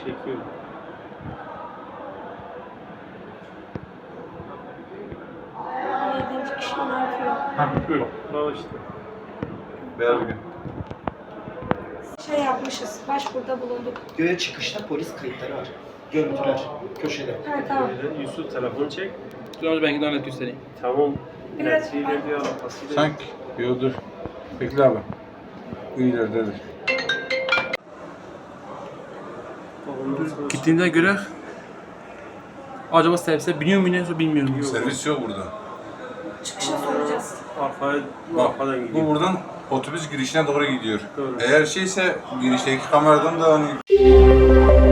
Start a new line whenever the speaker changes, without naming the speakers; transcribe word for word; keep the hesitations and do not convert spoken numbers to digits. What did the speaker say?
Çekiyor.
Yedinci kişi ne yapıyor?
Hı. Bak işte.
Ver bugün.
Şey yapmışız, başvuruda bulunduk.
Göğe çıkışta polis kayıtları var. Görüntüler köşede.
Ha tamam.
Böyle Yusuf telefonu çek.
Dur önce ben gidip net göstereyim.
Tamam.
Biraz-
Netiyle bir alakasıyla.
Sanki. Yo dur. Bekle abi. Bu ileridedir.
Gittiğinde göre acaba servise biniyor mu iniyor bilmiyorum.
Yok.
Servis yok burada.
Çıkışa soracağız.
Arkaya,
Bak
arkadan gidiyor.
bu buradan otobüs girişine doğru gidiyor.
Doğru.
Eğer şeyse girişteki kameradan da hani